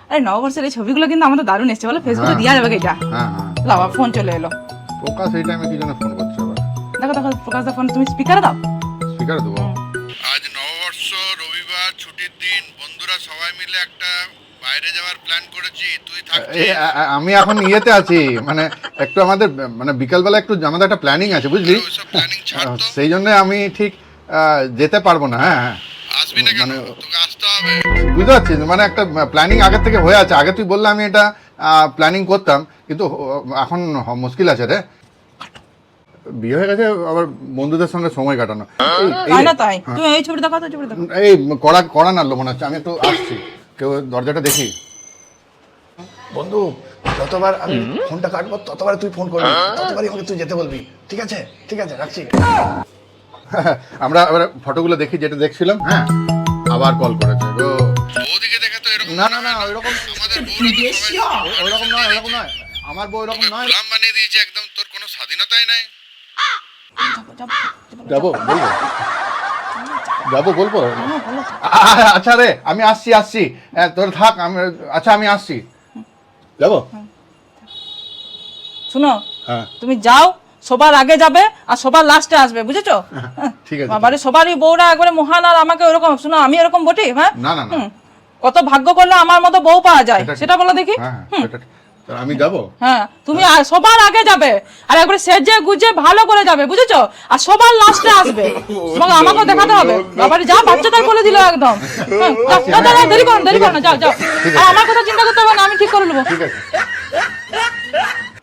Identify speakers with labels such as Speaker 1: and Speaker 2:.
Speaker 1: আরে নববর্ষের এই ছবিগুলো কিন্তু আমাদের দারুণ এসছে বলো, ফেসবুকে দেওয়া যাবে এটা। বাবা ফোন চলে এলো।
Speaker 2: প্রকাশ এই টাইমে কি জন্য ফোন করছে আবার?
Speaker 1: দেখো দেখো প্রকাশ দা ফোন, তুমি স্পিকারে দাও।
Speaker 2: স্পিকারে দেবো? আজ নববর্ষ, রবিবার, ছুটির দিন, বন্ধুরা সবাই মিলে একটা বাইরে যাওয়ার প্ল্যান করেছি। তুই থাকছিস? আমি এখন ইয়েতে আছি, মানে একটু আমাদের মানে বিকালবেলা একটু আমাদের একটা প্ল্যানিং আছে বুঝলি, সেই জন্য আমি ঠিক যেতে পারবো না। হ্যাঁ হ্যাঁ, আসবি না কেন? তোকে আসতে হবে, বুঝতে পারছিস? মানে একটা প্ল্যানিং আগে থেকে হয়ে আছে, আগে তুই বললে আমি এটা প্ল্যানিং করতাম, কিন্তু এখন মুশকিল আছে রে, বিয়ে হয়ে গেছে, আবার বন্ধুদের সঙ্গে সময় কাটানো।
Speaker 1: তাই না? তাই তুমি এই ছবিটা দেখো, তো ছবিটা দেখো।
Speaker 2: এই কড়া কড়া নাড়লো মনে হচ্ছে, আমি একটু আসছি, কেউ দরজাটা দেখি।
Speaker 3: বন্ধু, যতবার আমি ফোনটা কাটবো ততবার তুই ফোন করবি, ততবারই আমাকে তুই যেতে বলবি। ঠিক আছে ঠিক আছে, রাখছি।
Speaker 2: আমরা আবার ফটোগুলো দেখি, যেটা দেখছিলাম। হ্যাঁ, আবার কল করেছে গো। ওদিকে দেখে তো এরকম না, না না ওইরকম আমাদের ওইরকম নয়, ওইরকম নয়, আমার বউ এরকম নয়। গোলাম বানিয়ে দিয়েছে একদম, তোর কোনো স্বাধীনতাই নাই। যাবো বলবো, যাবো বলবো। আচ্ছা রে, আমি আসছি আসছি, তোর থাক, আমি আচ্ছা আমি আসছি, যাবো।
Speaker 1: শুনো,
Speaker 2: হ্যাঁ
Speaker 1: তুমি যাও, সবার আগে যাবে আর সবার লাস্টে আসবে, বুঝেছো?
Speaker 2: ঠিক আছে।
Speaker 1: বাবারে সবারই বউরা একবারে মহান, আর আমাকে ওরকম। শুনো, আমি এরকম বটি? হ্যাঁ
Speaker 2: না না না,
Speaker 1: কত ভাগ্য করলে আমার মতো বউ পাওয়া যায়, সেটা বলো দেখি।
Speaker 2: হ্যাঁ সেটা, আমি যাবো।
Speaker 1: হ্যাঁ, তুমি সবার আগে যাবে আর একবারে সেজে গুজে ভালো করে যাবে, বুঝেছো? আর সবার লাস্টে আসবে, তোমাকে আমাকেও দেখাতে হবে। বাবারে যা বাচ্চাদের বলে দিল একদম। যাও যাও, দেরি করো না, যাও যাও। আর আমার কথা চিন্তা করতে হবে না, আমি ঠিক করে নেবো।
Speaker 2: ঠিক আছে।